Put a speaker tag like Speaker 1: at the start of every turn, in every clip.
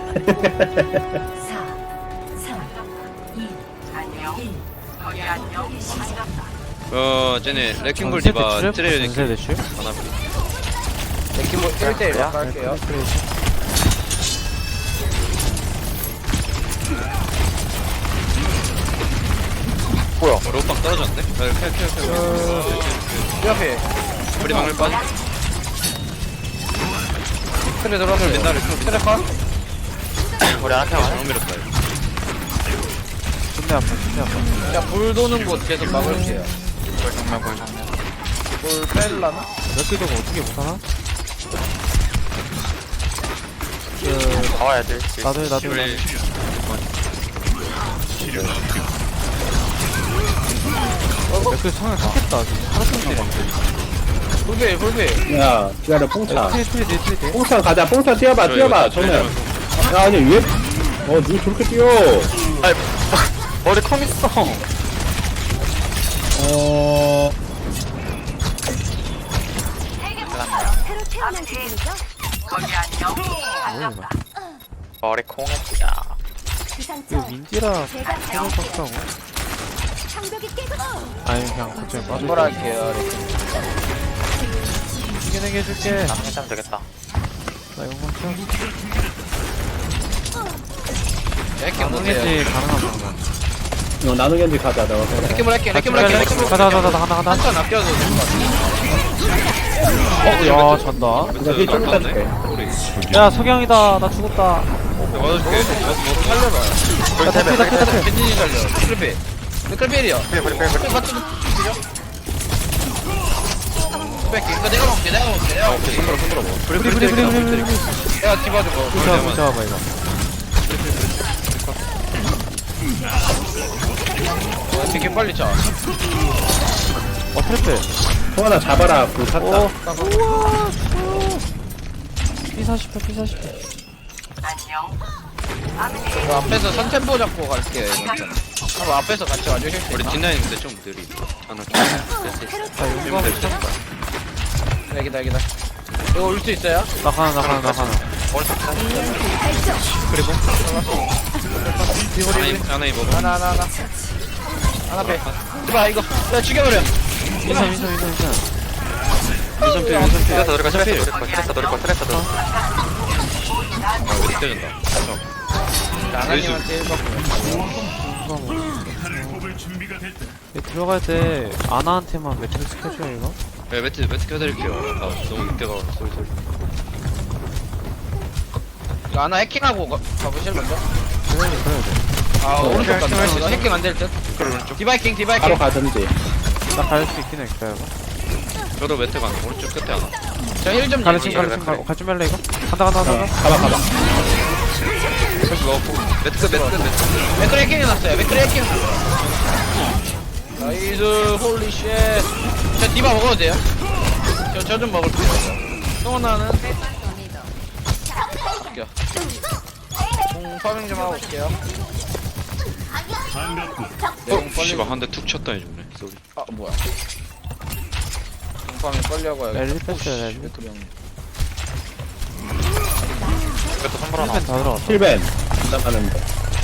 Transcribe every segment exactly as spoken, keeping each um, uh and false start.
Speaker 1: 어 쟤네 레킹볼 디바 트레일
Speaker 2: 전세
Speaker 1: 레킹
Speaker 2: 대출?
Speaker 1: 하나
Speaker 3: 레킹볼 일 대 일 할게요.
Speaker 1: 뭐야 어, 로빵 떨어졌는데? 네, 캐, 캐, 캐.
Speaker 3: 이 앞에
Speaker 1: 우리 방울 빠져
Speaker 3: 트레 들어왔어요.
Speaker 1: 옛날에
Speaker 3: 트레 컷.
Speaker 4: 우리 하나 켜가
Speaker 1: 방울 밀었다 이거.
Speaker 2: 존내 아파 존내 아파.
Speaker 3: 자, 불 도는 곳 계속 막을게요.
Speaker 4: 볼 정면 볼 정면
Speaker 3: 불 뺄라나?
Speaker 2: 몇개도가 어떻게 못하나?
Speaker 4: 나와야 돼
Speaker 2: 나도 해 나도 해
Speaker 1: 우리
Speaker 2: 몇개 상을 샀겠다 지금 하루 종일
Speaker 3: 불배, 불배.
Speaker 5: 야, 기다려, 뽕차.
Speaker 2: 트레 트레 돼 트레 돼
Speaker 5: 뽕차 가자, 뽕차 뛰어봐,
Speaker 1: 저
Speaker 5: 뛰어봐,
Speaker 1: 이거
Speaker 5: 정면.
Speaker 1: 트레일
Speaker 5: 야, 아니, 왜, 어, 누구 저렇게 뛰어?
Speaker 4: 아이 머리 컴 있어
Speaker 5: 어,
Speaker 6: 새로 태어난 기분이죠?
Speaker 4: 머리 콩했다
Speaker 6: 그
Speaker 2: 이거
Speaker 6: 상처
Speaker 2: 민지라
Speaker 6: 제가
Speaker 2: 해볼 것 같다고
Speaker 6: 장벽이 깨고
Speaker 2: 아니 그냥 갑자기 빠져
Speaker 3: 뭘 할게요.
Speaker 2: 이겨내게 해줄게
Speaker 4: 남캐하면 되겠다
Speaker 2: 나 이거 쳐
Speaker 3: 레킹볼
Speaker 2: 가능했지 가능한 방법
Speaker 5: 어, 나누겐지 가자, 너.
Speaker 3: 레킹볼 할게, 레킹볼 할게, 레킹볼
Speaker 2: 가자 가자 가자 하나 하나
Speaker 3: 한턴 아껴도 될것 같아.
Speaker 2: 어야 잔다
Speaker 5: 그냥 힐좀 따줄게.
Speaker 2: 야 석양이다 나 죽었다
Speaker 1: 맞아줄게
Speaker 3: 살려봐.
Speaker 4: 볼 대배 볼 대배
Speaker 3: 벤진이 살려. 트리필. 트리필이요.
Speaker 4: 볼 볼, 볼, 볼.
Speaker 3: 트리필 맞추는 뺄게. 이거 내가 먹게, 내가 먹게, 내가 먹게.
Speaker 1: 손들어 손들어 뭐
Speaker 2: 브리 브리 브리 브리 브리
Speaker 3: 내가 뒤봐주고.
Speaker 2: 붙잡아 붙잡아봐 이거
Speaker 3: 되게 빨리 차.
Speaker 2: 어 트래플
Speaker 5: 통 하나 잡아라, 불 탔다.
Speaker 2: 오 피 사십 회 피 사십 회
Speaker 3: 저 앞에서 선템포 잡고 갈게. 한번 앞에서 같이 와주실 수
Speaker 1: 우리
Speaker 3: 있나?
Speaker 1: 뒷라인인데 좀 느리 하나 좀
Speaker 2: 이거
Speaker 3: 기다, 기다, 기다. 이거 올 수 있어요?
Speaker 2: 나가나 나가나 나가나 그리고
Speaker 1: 하나 하나 입어봐
Speaker 3: 하나, 하나, 하나. 하나 배. 이봐, 이거. 야, 죽여버려.
Speaker 2: 인사 인사 인사 인사
Speaker 1: 민선 필 민선 필
Speaker 4: 트레스 노릴 거 트레스 노릴 거 트레스 노릴 거 트레스 노릴 거
Speaker 1: 아 우리 때린다
Speaker 3: 나나님한테 일 받고.
Speaker 2: 얘 들어갈 때 아나한테만 매트릭스 켜줘요 이거?
Speaker 1: 네 매트 매트 켜드릴게요 아 너무 늦게 가서 소리 소리
Speaker 3: 이거 하나 해킹하고 가, 가보실 먼저?
Speaker 2: 그래야 돼 그래야 돼
Speaker 3: 아,
Speaker 2: 어,
Speaker 3: 오른쪽
Speaker 2: 해킹
Speaker 3: 간다.
Speaker 2: 할수 있어?
Speaker 3: 해킹 안 될 듯? 디바이킹, 디바이킹.
Speaker 5: 바로 가든지.
Speaker 2: 나 갈 수 있긴 해 기다려봐
Speaker 1: 저도 매트 가는 오른쪽 끝에 하나
Speaker 3: 저 힐 좀
Speaker 2: 가르침
Speaker 3: 주세요.
Speaker 2: 가르침 갈줄 말래 이거? 간다 간다 간다
Speaker 5: 어,
Speaker 2: 간다
Speaker 5: 가봐, 가봐.
Speaker 1: 패스 넣었고 매트 끝 매트 끝 매트
Speaker 3: 맥크리 해킹 해놨어요. 맥크리 해킹. 나이스, 홀리 쉣. 저 디바 먹어도 돼요? 저, 저 좀 먹을게요. 송원나는. 갈게요. 공 파밍 좀 하고 올게요. 네, 공
Speaker 1: 어?
Speaker 3: 빨리.
Speaker 1: 씨발 한 대 툭 쳤다 해주네 쏘리
Speaker 3: 아, 뭐야. 공 파밍 빨리 하고 와야겠다.
Speaker 2: 랠리 뺐어요 랠리
Speaker 3: 맥크리 형님.
Speaker 4: 이것도 선물 하나
Speaker 2: 힐펜 다 들어갔다
Speaker 5: 힐벤. 나가는데.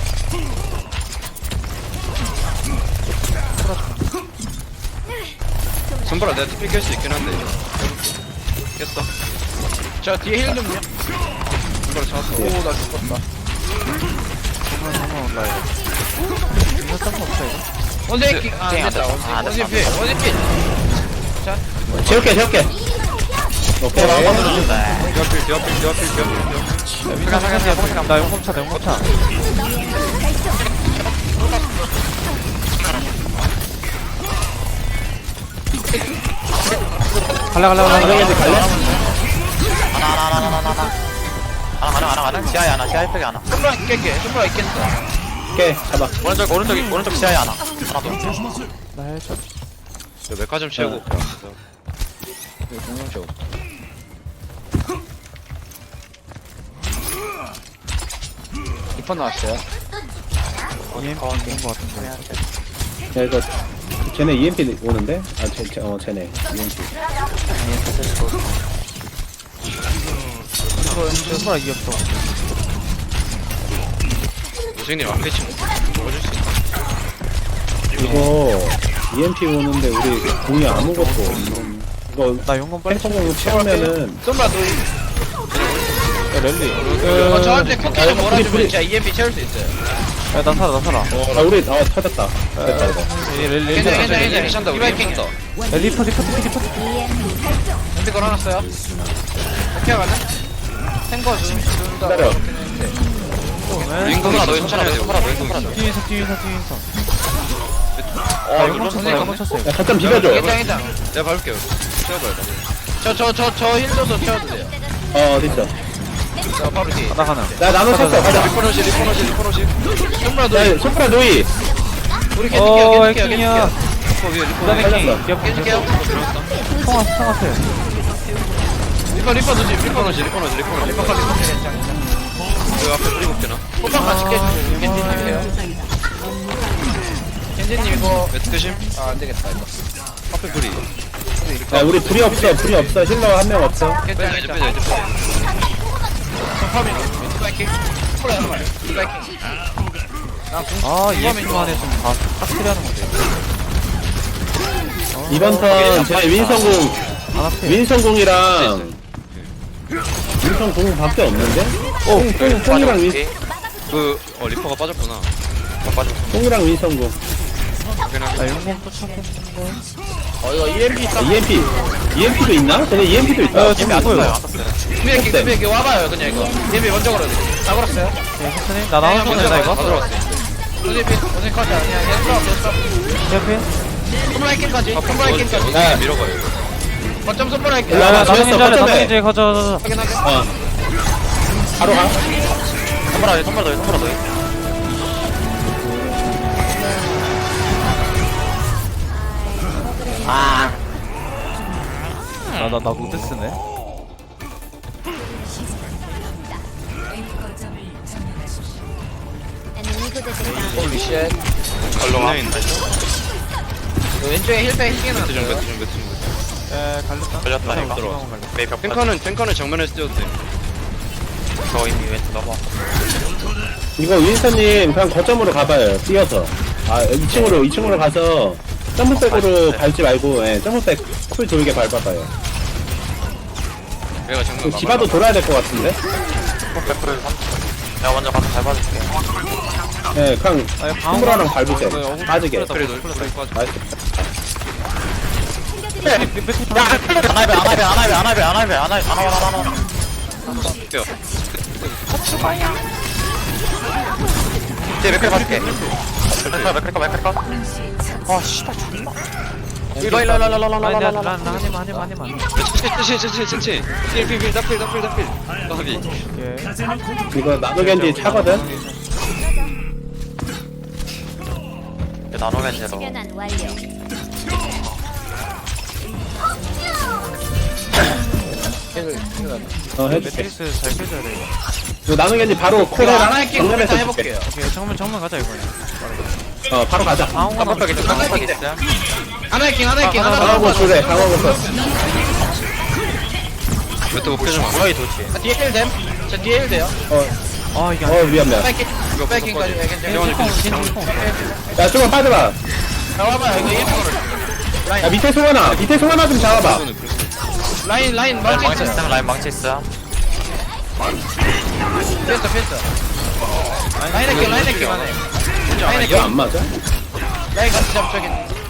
Speaker 1: 손보라 내가 투피 깰수 있긴 한데 깼어
Speaker 3: 저 뒤에 힐 좀요.
Speaker 1: 손보라 잡았어
Speaker 3: 오, 나 죽었다.
Speaker 2: 정말 정말 온다 이거 이거 딴거 없어 이거?
Speaker 3: 원대 해킹. 아, 안
Speaker 4: 안
Speaker 3: 됐다.
Speaker 4: 됐다. 안
Speaker 3: 원대
Speaker 4: 됐다.
Speaker 3: 필. 원대 필.
Speaker 5: 채울게, 채울게. 오케이.
Speaker 1: 뒤앞필 뒤앞필 뒤앞필 뒤앞필
Speaker 2: 민사 민사 나 용검차 나 용검차 갈래 갈래 갈래
Speaker 5: 나누겐지 갈래?
Speaker 4: 하나 하나 하나 하나 하나 하나 하나 하나 하나 지하에 하나 지하에 팩에 하나
Speaker 3: 손브라 있겠게. 손브라 있겠어.
Speaker 5: 오케이, 잡아.
Speaker 4: 오른쪽 오른쪽 오른쪽 지하에 하나 하나 더
Speaker 2: 나 헬쳐
Speaker 1: 저 메카 좀 채우고 올게요
Speaker 3: 이거 공룡 쇼. 이번 나왔어요.
Speaker 2: 이엠피 온거 같은데
Speaker 5: 야, 이거, 쟤네 이엠피 오는데? 아, 쟤, 쟤, 어, 쟤네. 이엠피.
Speaker 2: 이거 손가락 이겼어
Speaker 1: 선생님 앞에 좀 먹어줄 수 있나?
Speaker 5: 이거 이엠피 오는데 우리 공이 아무것도 없는. 이거
Speaker 2: 나 용건 빨리
Speaker 5: 탱커공 채우면은
Speaker 3: 썸바 노
Speaker 2: 야 랠리
Speaker 3: 어, 저한테 쿠키 좀
Speaker 5: 아,
Speaker 3: 몰아주면
Speaker 5: 우리-
Speaker 3: 진짜 이엠피 채울 수 있어요.
Speaker 2: 야나 살아 나 살아
Speaker 5: 아 우리 어 터졌다. 됐다 이거.
Speaker 2: 이 랠리
Speaker 3: 괜찮아,
Speaker 2: 랠리
Speaker 3: 괜찮아,
Speaker 1: 우리
Speaker 3: 괜찮아.
Speaker 1: 괜찮다, 우리
Speaker 3: 이바이킹.
Speaker 1: 괜찮다.
Speaker 2: 야 리퍼 리퍼 리퍼 리퍼
Speaker 6: 이엠피 발동.
Speaker 3: 핸드 걸어놨어요. 오케이 가네. 탱거 좀 준다.
Speaker 5: 기다려.
Speaker 1: 윙크가 너희 천천히 해야 돼. 윙크가 너희 천천히.
Speaker 2: 뒤에서 뒤에서 뒤에서
Speaker 1: 어,
Speaker 2: 아
Speaker 1: 이거
Speaker 2: 용건 쳤어
Speaker 1: 선생님.
Speaker 2: 용건 쳤어
Speaker 5: 야 잠깐 비벼줘.
Speaker 3: 괜찮아, 괜찮아.
Speaker 1: 내가 밟을게요. 채워봐요.
Speaker 3: 저, 저, 저, 저 힐도도 채워도 돼요.
Speaker 5: 어 어딨어?
Speaker 3: 저 바로 뒤에.
Speaker 2: 가다 가나
Speaker 5: 나 나눠 쳤어. 가자.
Speaker 1: 리포너시, 리포너시, 리포너시.
Speaker 3: 썸바 노
Speaker 5: 야 소프라 노이.
Speaker 3: 우리 깨줄게요,
Speaker 2: 어
Speaker 3: 깨줄게요,
Speaker 2: 에킹이야
Speaker 3: 깨줄게요.
Speaker 1: 리포 위에 리포.
Speaker 2: 부담의
Speaker 5: 살렸어.
Speaker 2: 킹 기업
Speaker 3: 깨줄게요.
Speaker 2: 통화 통화 세
Speaker 3: 리퍼, 리퍼 도지, 리퍼
Speaker 1: 리포너시, 리포너시, 리포너시.
Speaker 3: 리퍼 컬리 괜찮아.
Speaker 1: 그 앞에 뿌리고 되나?
Speaker 3: 호박 같이 깨주세요. 겐지님 해요. 겐지님 이거.
Speaker 1: 매트심?
Speaker 3: 아, 안 되겠다, 이거.
Speaker 1: 앞에 뿌리.
Speaker 5: 야 우리 불이 없어. 불이 없어. 힐러 한 명 없어.
Speaker 3: 괜찮아,
Speaker 1: 빼자, 이제
Speaker 3: 괜찮아.
Speaker 1: 빼자, 이제 빼자.
Speaker 3: 파밍. 스파이킹. 콜라 한 마리. 스파이킹.
Speaker 2: 아 이엠피 안에 좀다 싹쓸이하는 건데
Speaker 5: 이번 턴 제 윈성공
Speaker 2: 안 앞에
Speaker 5: 윈성공이랑 윈성공밖에 없는데? 어, 뽕, 뽕이랑 윈,
Speaker 1: 그, 어, 리퍼가 빠졌구나.
Speaker 5: 뽕이랑 윈성공.
Speaker 2: 나 용건 또 찾고 싶은데
Speaker 3: 어, 이거 이엠피
Speaker 5: 아,
Speaker 3: 있다.
Speaker 5: 이엠피. 이엠피도 있나? 쟤네 이엠피도 있다.
Speaker 2: 어 지금 안 보여
Speaker 3: 준비할게, 준비할게. 와봐요, 그냥 이거. 이엠피 먼저 걸어야 돼. 다 걸었어요?
Speaker 2: 오케이 천천히 나 나눠주면 된다 이거
Speaker 1: 다 들어왔어.
Speaker 3: 이엠피, 어제 컷이 아니야. 연습, 연습.
Speaker 2: 옆에
Speaker 3: 콤라이킹까지. 콤라이킹까지.
Speaker 5: 야,
Speaker 1: 밀어가요.
Speaker 3: 거점 선물할게.
Speaker 5: 야,
Speaker 2: 야
Speaker 5: 나
Speaker 2: 나눠주면
Speaker 5: 졌어,
Speaker 2: 잘해
Speaker 5: 거점에.
Speaker 2: 나눠주면 가져
Speaker 3: 확인하게.
Speaker 5: 어. 바로 가.
Speaker 4: 선물아 선물아 너희 선물아 너희
Speaker 2: 나나나 무드 쓰네
Speaker 6: 에너미 부족했다.
Speaker 3: 홀리 쉣.
Speaker 1: 걸렁아. 있나?
Speaker 3: 그 왼쪽에 힐백 희귀는
Speaker 1: 매트 좀, 매트 좀, 매트 좀.
Speaker 2: 에 갈렸다
Speaker 4: 걸렸다 이거
Speaker 1: 들어와.
Speaker 4: 메이 벽
Speaker 1: 탱커는, 탱커는 정면에서 뛰어도 돼.
Speaker 4: 저 이미 왼쪽 넘어
Speaker 5: 이거 윈스턴님 그냥 거점으로 가봐요. 뛰어서. 아, 이 층으로, 이 층으로 가서 점프백으로 밟지 말고, 예, 점프백 쿨 돌게 밟아봐요.
Speaker 1: 내가 정면
Speaker 5: 그 디바도 돌아야 될 것 같은데?
Speaker 4: 백프를 내가 먼저 가서 밟아줄게
Speaker 5: 예, 그냥
Speaker 2: 아
Speaker 5: 휘무라랑 밟으세요. 빠지게.
Speaker 1: 그래, 너 그래 빠져.
Speaker 5: 나이스.
Speaker 4: 야 안할배 안할배 안할배 안할배 안할배 안할배 안할배
Speaker 1: 뛰어.
Speaker 4: 이제 맥클 봐줄게 맥클 맥클 맥클 아 씨발 존나 일로 일로 일로 일로 일로
Speaker 2: 아니
Speaker 4: 일로
Speaker 2: 내가
Speaker 4: 일로
Speaker 2: 나 하지마 하지마 하지마
Speaker 1: 치치, 치치, 치치, 치치. 필, 필, 필, 다필, 다필, 다필. 다필.
Speaker 2: 오케이
Speaker 5: 이거 나노겐지 차거든?
Speaker 4: 나노겐제로
Speaker 6: 변환 완료.
Speaker 5: 어, 해줄게.
Speaker 2: 매트리스 잘 펴줘야 돼 이거
Speaker 5: 이거 나노겐지 바로
Speaker 3: 콜
Speaker 5: 콜에
Speaker 3: 하나 할게. 일단
Speaker 5: 정면에서
Speaker 3: 해볼게요.
Speaker 2: 오케이 정면 정면 가자 이번에
Speaker 5: 어, 바로 가자.
Speaker 2: 아무거나
Speaker 4: 깜빡 있어 깜빡 있어
Speaker 3: 하나 해킹, 하나 해킹, 하나
Speaker 5: 강하고
Speaker 3: 더.
Speaker 5: 줄래, 강하고 써.
Speaker 1: 매트 목표 좀 안.
Speaker 4: 뭐야 이 도치
Speaker 3: 아, 뒤에 힐 됨. 저 뒤에 힐 돼요.
Speaker 5: 어,
Speaker 2: 아 이게
Speaker 5: 어, 위험해.
Speaker 3: 스파이킹, 스파이킹까지. 예, 괜찮아.
Speaker 5: 야, 좀만 빠져봐.
Speaker 3: 자, 와봐요. 이거 일 번.
Speaker 5: 야, 밑에 송하나, 밑에 송하나 좀 잡아봐.
Speaker 3: 라인, 라인, 망치
Speaker 4: 망치
Speaker 3: 있어요.
Speaker 4: 있음 라인 망치 있어
Speaker 3: 피했어, 피했어. 라인 해킹, 라인 해킹. 라인
Speaker 5: 이거 안
Speaker 3: 해킹.
Speaker 5: 맞아?
Speaker 3: 라인 같이 잡자기.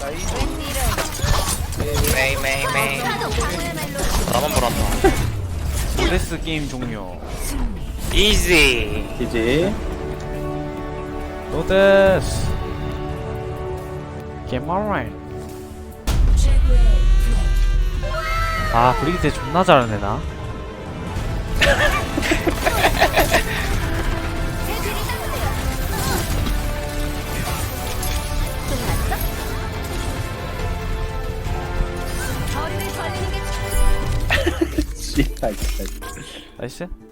Speaker 4: 메이 메이 메이 나만 불었다
Speaker 2: 모데스 게임 종료
Speaker 4: 이지
Speaker 5: 이지.
Speaker 2: 모데스 게임 alright 아 브리기테 존나 잘하네 나
Speaker 6: 거리를 벌리는 게
Speaker 5: 씨발, 진짜.
Speaker 2: 나이스